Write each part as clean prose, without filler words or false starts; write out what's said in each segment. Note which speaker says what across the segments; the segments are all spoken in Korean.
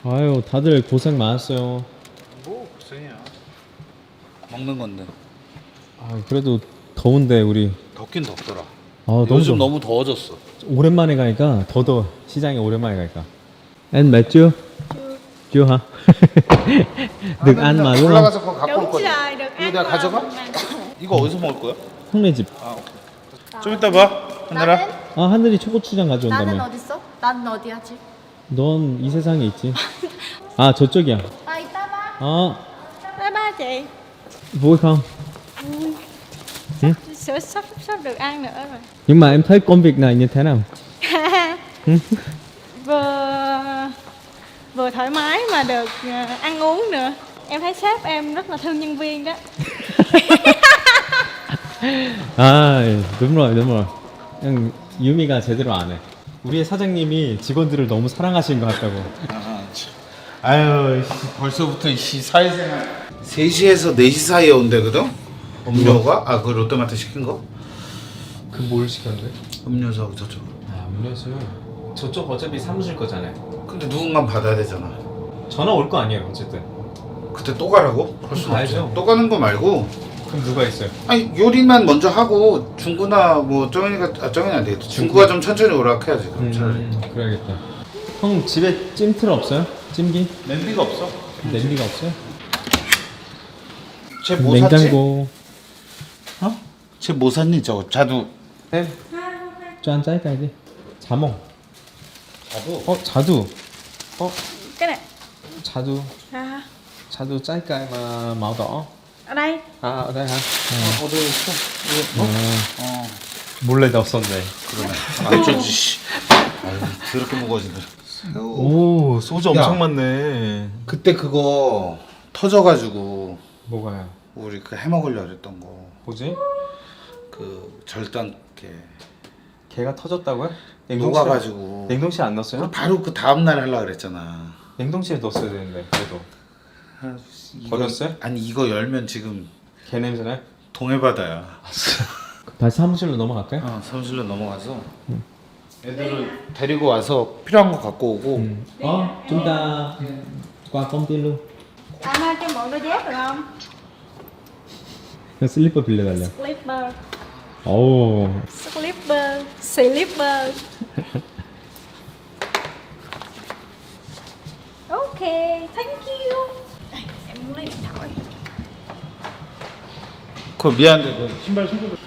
Speaker 1: 아유, 다들 고생 많았어요.
Speaker 2: 뭐 고생이야. 먹는 건데.
Speaker 1: 아, 그래도 더운데 우리.
Speaker 2: 덥긴 덥더라.
Speaker 1: 아,
Speaker 2: 요즘
Speaker 1: 더워.
Speaker 2: 너무 더워졌어.
Speaker 1: 오랜만에 가니까 더 더워. 시장에 오랜만에 가니까. Anh mệt chưa? Chưa hả? Được ăn mà đúng không?
Speaker 2: 올라가서 그거 갖고 올
Speaker 3: Đúng
Speaker 2: 거지.
Speaker 3: rồi, được
Speaker 2: 이거
Speaker 3: ăn
Speaker 2: 내가
Speaker 3: mà.
Speaker 2: 가져가? 이거 어디서 먹을 거야?
Speaker 1: 형네 집.
Speaker 2: 아 오케이. 좀 이따 봐. 하늘아.
Speaker 3: 나는?
Speaker 1: 아, 하늘이 초고추장
Speaker 3: 나는
Speaker 1: 가져온다며.
Speaker 3: 어딨어? 나는 어디 하지?
Speaker 1: 넌 이 세상에 있지. 아, 저쪽이야.
Speaker 3: À, 이따 봐.
Speaker 1: 아,
Speaker 3: Bye bye chị.
Speaker 1: vui không?
Speaker 3: Sắp được ăn nữa rồi.
Speaker 1: Nhưng mà em thấy công việc này như thế nào?
Speaker 3: Vừa thoải mái mà được ăn uống nữa. Em thấy sếp em rất là thương nhân viên đó.
Speaker 1: 아, đúng rồi. 그냥 유미가 제대로 안 해. 우리의 사장님이 직원들을 너무 사랑하시는 것 같다고.
Speaker 2: 아유 벌써부터 이 사회생활 3시에서 4시 사이에 온대거든? 음료가? 아 그 롯데마트 시킨 거?
Speaker 1: 그 뭘 시켰는데?
Speaker 2: 음료수하고 저쪽으로.
Speaker 1: 아, 음료수. 저쪽 어차피 사무실 거잖아요.
Speaker 2: 근데 누군가 받아야 되잖아.
Speaker 1: 전화 올 거 아니에요, 어쨌든.
Speaker 2: 그때 또 가라고? 벌써
Speaker 1: 가야죠.
Speaker 2: 또 가는 거 말고
Speaker 1: 그럼 누가 있어요?
Speaker 2: 아니 요리만 먼저 하고 중구나 뭐 정현이가 정현이 안 되겠다. 중구가 좀 천천히 오락 해야지 그럼 차라리.
Speaker 1: 그래야겠다. 형 집에 찜틀 없어요? 찜기?
Speaker 2: 냄비가 없어.
Speaker 1: 냄비가 없어요?
Speaker 2: 쟤 뭐 샀지?
Speaker 1: 냉장고.
Speaker 2: 어? 쟤 뭐 샀니 저거 자두.
Speaker 1: 네. 짠 짜이까지. 자몽.
Speaker 2: 자두?
Speaker 1: 자두.
Speaker 3: Cái này.
Speaker 1: 자두.
Speaker 3: À,
Speaker 1: 자두 짜이까이 màu đỏ.
Speaker 3: ở đây.
Speaker 1: 아, ở đây hả?
Speaker 2: 어디 있어? 어.
Speaker 1: 몰래 넣었었네.
Speaker 2: 그러네. 어쩌지 씨. 아유 더럽게 무거워진다.
Speaker 1: 오, 소주
Speaker 2: 야.
Speaker 1: 엄청 많네.
Speaker 2: 그때 그거 터져가지고
Speaker 1: 뭐가요?
Speaker 2: 우리 그 해먹으려 그랬던 거.
Speaker 1: 뭐지?
Speaker 2: 그 절단게
Speaker 1: 걔가 터졌다고요?
Speaker 2: 녹아가지고.
Speaker 1: 냉동실 안 넣었어요?
Speaker 2: 바로 그 다음날 하려고 그랬잖아.
Speaker 1: 냉동실에 넣었어야 되는데 그래도.
Speaker 2: 아,
Speaker 1: 버렸어요?
Speaker 2: 아니 이거 열면 지금
Speaker 1: 개 냄새나요?
Speaker 2: 동해바다야.
Speaker 1: 다시 사무실로 넘어갈까요?
Speaker 2: 사무실로 넘어가서 애들을 데리고 와서 필요한 거 갖고 오고.
Speaker 1: Chúng ta qua công ty luôn.
Speaker 3: Anh ơi cho mượn đôi dép được không?
Speaker 1: 그냥 슬리퍼 빌려달래.
Speaker 3: Slipper.
Speaker 1: 오,
Speaker 3: Slipper. Ok, thank you. Em muốn lấy điện thoại.
Speaker 2: 그거 미안한데 그 신발 손톱을.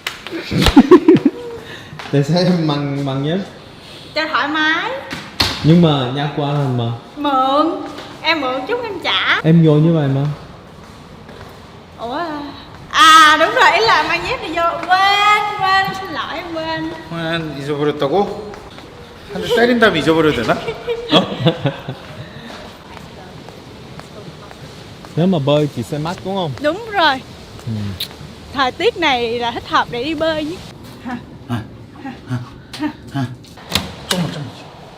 Speaker 1: để xem bằng nhé.
Speaker 3: Cho thoải mái.
Speaker 1: Nhưng mà nha qua hơn mà.
Speaker 3: Mượn. Em mượn chút em trả.
Speaker 1: Em vô như vậy mà.
Speaker 3: Ủa à đúng rồi, ý là mang dép đi vô. Quên, xin lỗi em quên.
Speaker 2: 한 잊어버렸다고? 한 대 때린 다음에 잊어버려야 되나?
Speaker 1: Nếu mà bơi thì sẽ mát đúng không?
Speaker 3: Đúng rồi. Thời tiết này là thích hợp để đi bơi chứ.
Speaker 2: 조금만.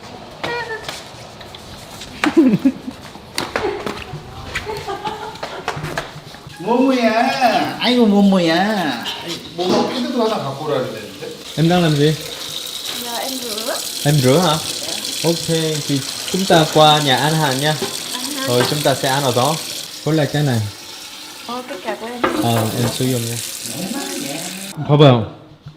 Speaker 2: 뭐뭐야? 아이고 뭐뭐야? 뭐뭐 패드도 하나 갖고 오라 그랬는데.
Speaker 1: Em đang làm gì?
Speaker 3: Giờ em rửa.
Speaker 1: Em rửa hả? Ok, thì chúng ta qua nhà ăn hàng nha. Rồi chúng ta sẽ ăn ở đó. Với lại cái này.
Speaker 3: Cái cà của em.
Speaker 1: em sử dụng nha. 봐봐요.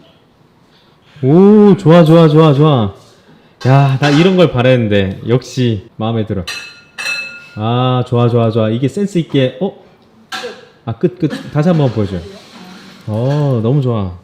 Speaker 1: 오, 좋아. 야, 나 이런 걸 바랬는데 역시 마음에 들어. 아, 좋아. 이게 센스 있게. 끝. 다시 한번 보여줘요. 너무 좋아.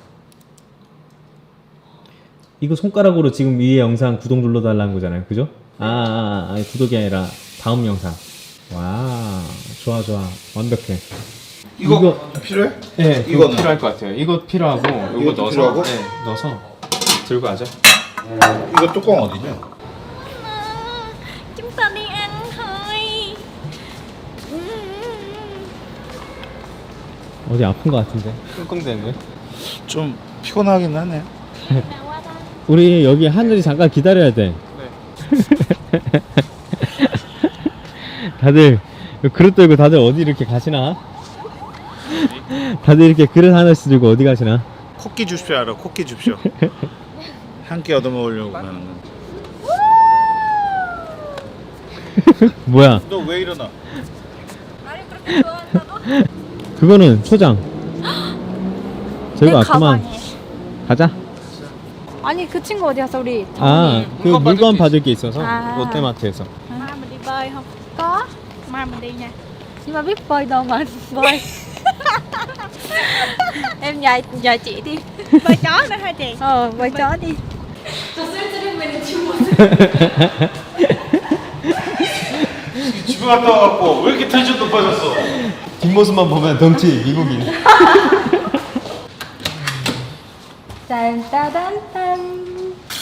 Speaker 1: 이거 손가락으로 지금 위에 영상 구독 눌러달라는 거잖아요, 그죠? 아니, 구독이 아니라 다음 영상. 와, 좋아. 완벽해.
Speaker 2: 이거 필요해?
Speaker 1: 네, 이거
Speaker 2: 이거는?
Speaker 1: 필요할 것 같아요. 이거 필요하고, 이거
Speaker 2: 이것도
Speaker 1: 넣어서,
Speaker 2: 필요하고?
Speaker 1: 네, 넣어서 들고 가죠.
Speaker 2: 이거 뚜껑 어디냐?
Speaker 3: Chúng ta đi ăn thôi.
Speaker 1: 어디 아픈 것 같은데? 끙끙대는데?
Speaker 2: 좀 피곤하긴 하네.
Speaker 3: Nào qua ta.
Speaker 1: 우리 여기 하늘이 잠깐 기다려야 돼. 네. 다들 그릇 들고 다들 어디 이렇게 가시나? 다들 이렇게 그릇 하나씩 들고 어디 가시나?
Speaker 2: 코끼 줍쇼 알아? 코끼 줍쇼. 한 끼 얻어먹으려고 가는 건.
Speaker 1: 뭐야?
Speaker 2: 너 왜 일어나?
Speaker 3: 나를 그렇게 좋아한다고?
Speaker 1: 그거는 초장.
Speaker 3: 내
Speaker 1: 저희가 아까만
Speaker 3: 가방에.
Speaker 1: 가자.
Speaker 3: 아니 그 친구 어디 갔어 우리?
Speaker 1: 아, 그
Speaker 2: 물건
Speaker 1: 물건
Speaker 2: 받을
Speaker 1: 받을 게 있어서
Speaker 3: 아.
Speaker 1: 롯데마트에서.
Speaker 3: Mai mình đi bơi không? Có. Mai mình đi nha.
Speaker 4: Nhưng mà biết bơi đâu mà bơi. Em nhờ chị đi.
Speaker 3: Bơi chó nữa hả chị?
Speaker 4: Bơi chó đi.
Speaker 2: 집에 갔다 와갖고 왜 이렇게 텐션 높아졌어?
Speaker 1: 뒷모습만 보면 덩치 미국인.
Speaker 4: 짠따단딴.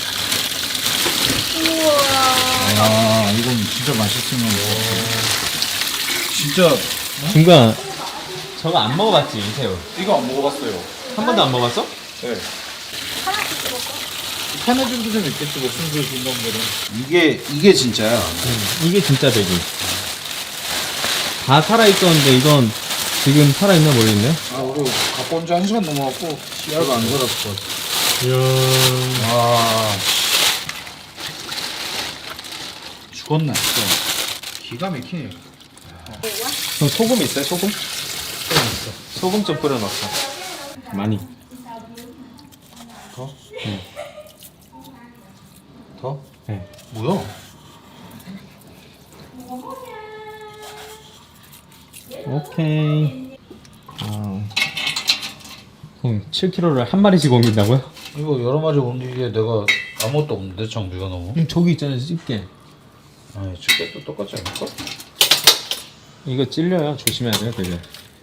Speaker 2: 아 이건 진짜 맛있으면 진짜
Speaker 1: 중간 저거 안 먹어봤지 이 새우.
Speaker 2: 이거 안 먹어봤어요.
Speaker 1: 한 번도 안 먹어봤어?
Speaker 2: 네. 하나씩 좀 있겠지 뭐 순수 중간들은. 이게 진짜야.
Speaker 1: 이게 진짜 돼지. 다 살아 있었는데 이건 지금 살아 있나 모르겠네.
Speaker 2: 아 우리 갖고 온 지 1시간 넘어갖고 씨알가 안 살았을 것 같아.
Speaker 1: 이야.
Speaker 2: 아 죽었네. 또. 기가 막히네.
Speaker 1: 형 소금 있어요? 소금? 소금 좀 뿌려 넣자. 많이.
Speaker 2: 더?
Speaker 1: 응.
Speaker 2: 더?
Speaker 1: 네.
Speaker 2: 뭐야?
Speaker 1: 오케이. 형 7kg를 한 마리씩 옮긴다고요?
Speaker 2: 이거 여러 마리 옮기기에 내가 아무것도 없는데 장비가 너무.
Speaker 1: 저기 있잖아요 집게.
Speaker 2: 아니 집게도 똑같지 않을까?
Speaker 1: 이거 찔려요. 조심해야 돼요 되게.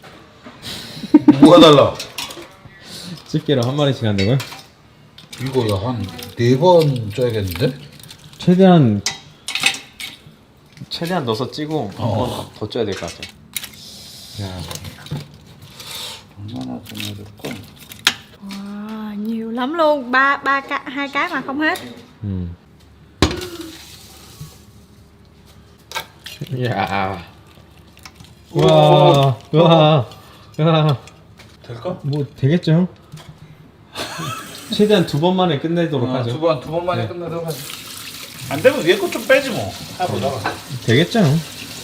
Speaker 2: 뭐가 달라?
Speaker 1: 집게로 한 마리씩 한다고요?
Speaker 2: 이거 한 4번 쪄야겠는데?
Speaker 1: 최대한 넣어서 찌고 더 쪄야 될 것 같아요. 야.
Speaker 2: 얼마나 더 넣어야 될까?
Speaker 3: Wow, nhiều lắm luôn. Hai cái mà không hết.
Speaker 1: 야. 와. 와. 야.
Speaker 2: 될까?
Speaker 1: 뭐 되겠죠, 형? 최대한 2번 만에 끝내도록 하죠.
Speaker 2: 두 번 만에 끝내도록 하지. 안 되면 위에 거 좀 빼지 뭐. 해보다가.
Speaker 1: 되겠죠, 형?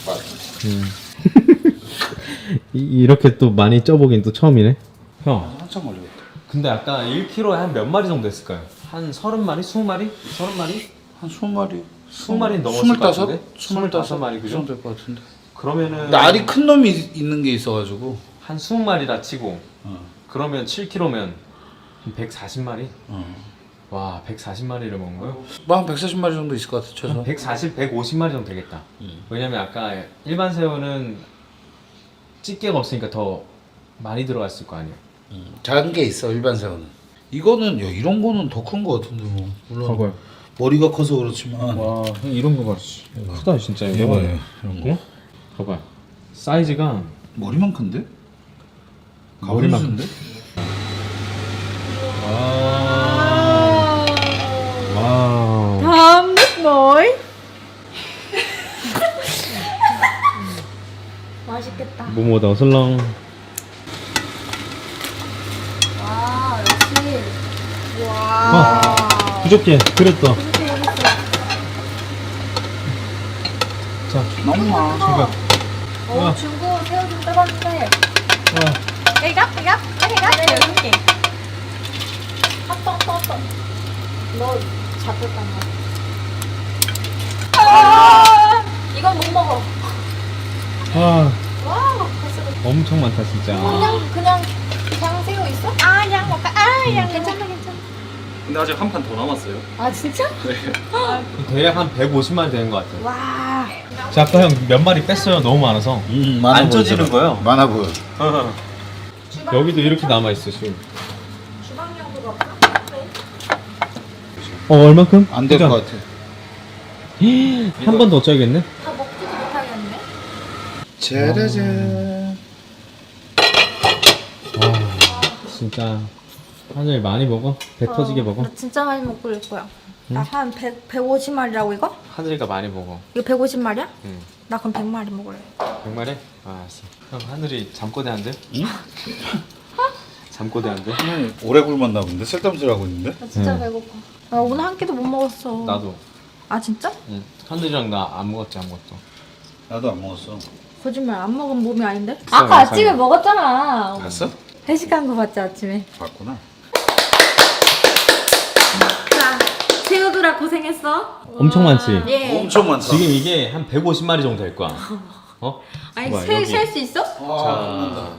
Speaker 1: 이렇게 또 많이 쪄보긴 또 처음이네. 형,
Speaker 2: 한참 걸리겠다.
Speaker 1: 근데 아까 1kg에 한 몇 마리 정도 했을까요? 한 30마리? 20마리? 30마리?
Speaker 2: 한 20마리?
Speaker 1: 20마리 넘었을 것 같은데? 25마리
Speaker 2: 그
Speaker 1: 그죠?
Speaker 2: 정도 될 것 같은데.
Speaker 1: 그러면은
Speaker 2: 알이 큰 놈이 있는 게 있어가지고.
Speaker 1: 한 20마리라 치고
Speaker 2: 어.
Speaker 1: 그러면 7kg면 140마리?
Speaker 2: 어.
Speaker 1: 와, 140마리를 먹은 거요?
Speaker 2: 뭐한 140마리 정도 있을 것 같아 최소.
Speaker 1: 140, 150마리 정도 되겠다. 왜냐면 아까 일반 새우는 집게가 없으니까 더 많이 들어갔을 거 아니에요.
Speaker 2: 작은 게 있어 일반 새우는. 이거는 야, 이런 거는 더 큰 거 같은데 뭐. 물론
Speaker 1: 봐봐요.
Speaker 2: 머리가 커서 그렇지만.
Speaker 1: 와, 이런 거 봐. 크다 진짜 이거.
Speaker 2: 이거네 이런 거.
Speaker 1: 어? 봐봐. 사이즈가
Speaker 2: 머리만 큰데?
Speaker 1: 머리만
Speaker 2: 가버리는데?
Speaker 1: 와우.
Speaker 3: Thơm nước mũi.
Speaker 4: 맛있겠다.
Speaker 1: 모모다 어슬렁.
Speaker 4: 와, 역시.
Speaker 1: 아, 부족해. 그랬다. 자,
Speaker 2: 너무 많아.
Speaker 1: 제가.
Speaker 4: 오, 중국 새우 좀 떠봤는데.
Speaker 3: Cây gấp, cây gấp. Lấy cây gấp nhiều lắm chị.
Speaker 4: 핫떡. 너 잡혔단 말이야.
Speaker 3: 아,
Speaker 4: 이건 못 먹어.
Speaker 1: 아,
Speaker 4: 와, 벌써
Speaker 1: 엄청 많다 진짜.
Speaker 4: 그냥 새우 있어?
Speaker 3: à, dăng một cái. À, dăng
Speaker 4: 괜찮아.
Speaker 5: 근데 아직 한 판 더 남았어요.
Speaker 4: 아, 진짜?
Speaker 1: 대략 한 150마리 되는 것 같아요.
Speaker 3: Wow.
Speaker 1: 자, 아까 형 몇 마리 뺐어요. 너무 많아서.
Speaker 2: 많아
Speaker 1: 안 쪄지는
Speaker 2: 보이더라.
Speaker 1: 거예요?
Speaker 2: 많아 보여.
Speaker 1: 여기도 이렇게 남아 있어 지금.
Speaker 4: 주방용도가 없어?
Speaker 1: 얼마큼?
Speaker 2: 안 될 것 같아.
Speaker 1: 한 번 더 쪄야겠네.
Speaker 4: 다 먹지도 못하겠네.
Speaker 2: 짜라잔.
Speaker 1: 진짜 하늘 많이 먹어. 배 터지게 먹어.
Speaker 4: 나 진짜 많이 먹고 올 거야. 나 한 150마리라고 이거?
Speaker 1: 하늘이가 많이 먹어.
Speaker 4: 이거 150마리야?
Speaker 1: 응.
Speaker 4: 나 그럼 100마리 먹을래.
Speaker 1: 100마리? 아, 알았어. 형 하늘이 잠꼬대 한대? 응? 잠꼬대 한대?
Speaker 2: 오래 굶었나 본데 쓸데없이 하고 있는데.
Speaker 4: 나 진짜 배고파. 나 오늘 한 끼도 못 먹었어.
Speaker 1: 나도.
Speaker 4: 아 진짜?
Speaker 1: 응. 산들이랑 나 안 먹었지 아무것도.
Speaker 2: 나도 안 먹었어.
Speaker 4: 거짓말 안 먹은 몸이 아닌데?
Speaker 1: 비싸요,
Speaker 4: 아까 아침에
Speaker 1: 비싸요.
Speaker 4: 먹었잖아.
Speaker 2: 봤어?
Speaker 4: 회식한 거 봤지 아침에.
Speaker 2: 봤구나.
Speaker 4: 자, 새우들아 고생했어.
Speaker 1: 엄청 많지.
Speaker 4: 예.
Speaker 2: 엄청 많다.
Speaker 1: 지금 이게 한 150마리 정도 될 거야. 어?
Speaker 4: 아니
Speaker 1: 봐봐, 여기.
Speaker 4: 셀 수 있어?
Speaker 2: 아,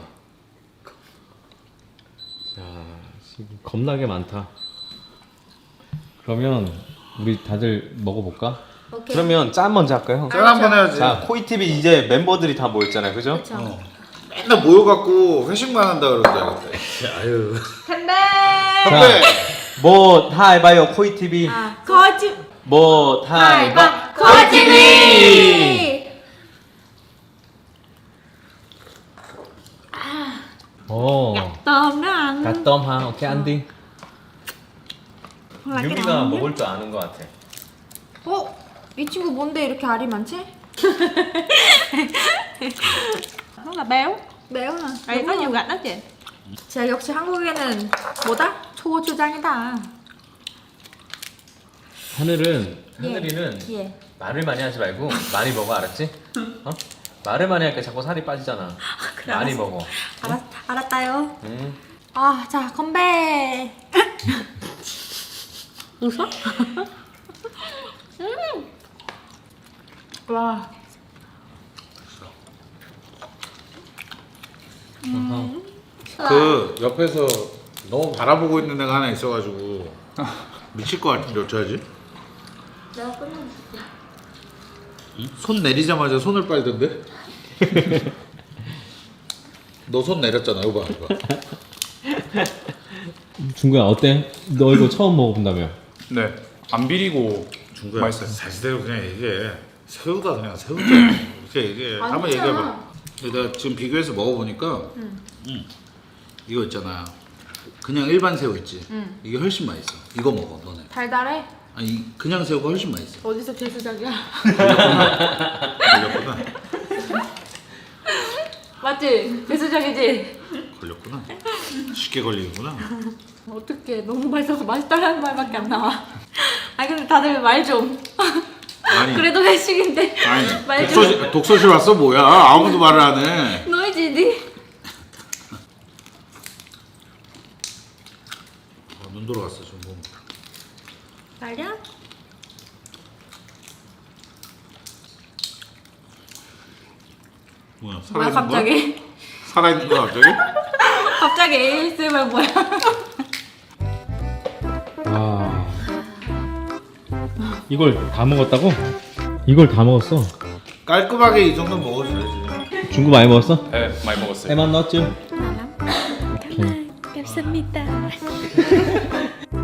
Speaker 1: 자, 지금 겁나게 많다. 그러면 우리 다들 먹어볼까?
Speaker 4: 오케이.
Speaker 1: 그러면 짠 먼저 할까요?
Speaker 2: 짠 한번 해야지.
Speaker 1: 자, 코이TV 이제 멤버들이 다 모였잖아요, 그죠?
Speaker 4: 그렇죠.
Speaker 2: 맨날 모여갖고 회식만 한다 그러는데. 아유.
Speaker 4: 간다.
Speaker 2: 선배.
Speaker 1: 뭐 다 해봐요, 코이TV.
Speaker 3: 거짓.
Speaker 1: 뭐 다 해봐.
Speaker 4: 코이TV.
Speaker 1: 오.
Speaker 3: Tôm đó anh.
Speaker 1: 갓덤 하, 오케이 안디.
Speaker 3: Là cái
Speaker 1: 유미가
Speaker 3: đầu nhất.
Speaker 1: 먹을 줄 아는 것 같아.
Speaker 4: 어? 이 친구 뭔데 이렇게 알이 많지?
Speaker 3: Rất là béo.
Speaker 4: 매워.
Speaker 3: Đây có nhiều gạch đó chị.
Speaker 4: 자, 역시 한국에는 뭐다? 초고추장이다.
Speaker 1: 하늘이는
Speaker 4: 예.
Speaker 1: 말을 많이 하지 말고 많이 먹어, 알았지? 어? 말을 많이 하니까 자꾸 살이 빠지잖아.
Speaker 4: 그래,
Speaker 1: 많이
Speaker 4: 알았어.
Speaker 1: 먹어.
Speaker 4: 알았다요.
Speaker 1: 응.
Speaker 4: 아, 자, 건배.
Speaker 3: 웃어?
Speaker 4: 와.
Speaker 2: 그 옆에서 너무 바라보고 있는 애가 하나 있어가지고 미칠 것 같은데 어쩌지?
Speaker 4: 내가 끝났어.
Speaker 2: 손 내리자마자 손을 빨던데? 너 손 내렸잖아. 이거 봐. 이거.
Speaker 1: 중구야 어때? 너 이거 처음 먹어본다며?
Speaker 5: 네. 안 비리고
Speaker 2: 중구야.
Speaker 5: 맛있어요.
Speaker 2: 사실대로 그냥 얘기해. 새우다 그냥 새우다. 이렇게 얘기해. 한번
Speaker 4: 아니잖아.
Speaker 2: 얘기해봐. 내가 지금 비교해서 먹어보니까 이거 있잖아. 그냥 일반 새우 있지. 이게 훨씬 맛있어. 이거 먹어 너네.
Speaker 4: 달달해?
Speaker 2: 아니 그냥 새우가 훨씬 맛있어.
Speaker 4: 어디서 재수작이야?
Speaker 2: 걸렸구나.
Speaker 4: 맞지? 재수작이지?
Speaker 2: 걸렸구나. 쉽게 걸리는구나.
Speaker 4: 어떡해. 너무 맛있어서 맛있다라는 말밖에 안 나와. 아니 근데 다들 말 좀.
Speaker 2: 아니.
Speaker 4: 그래도 회식인데
Speaker 2: 아니
Speaker 4: 말 좀.
Speaker 2: 독서실 왔어 뭐야? 아무도 말을 안 해.
Speaker 4: 너희지 니?
Speaker 2: 눈 돌아갔어 지금 뭐.
Speaker 4: 말이야?
Speaker 2: 뭐야?
Speaker 4: 뭐야
Speaker 2: 살아있는 거야?
Speaker 4: 갑자기?
Speaker 2: 살아있는 거야 갑자기?
Speaker 4: 갑자기 ASMR 뭐야?
Speaker 1: 와. 이걸 다 먹었다고? 이걸 다 먹었어?
Speaker 2: 깔끔하게 이 정도 먹어줘야지.
Speaker 1: 중구 많이 먹었어?
Speaker 5: 네, 많이 먹었어요.
Speaker 1: 에만 넣었죠? 오케이.
Speaker 3: Cảm ơn. Cảm ơn.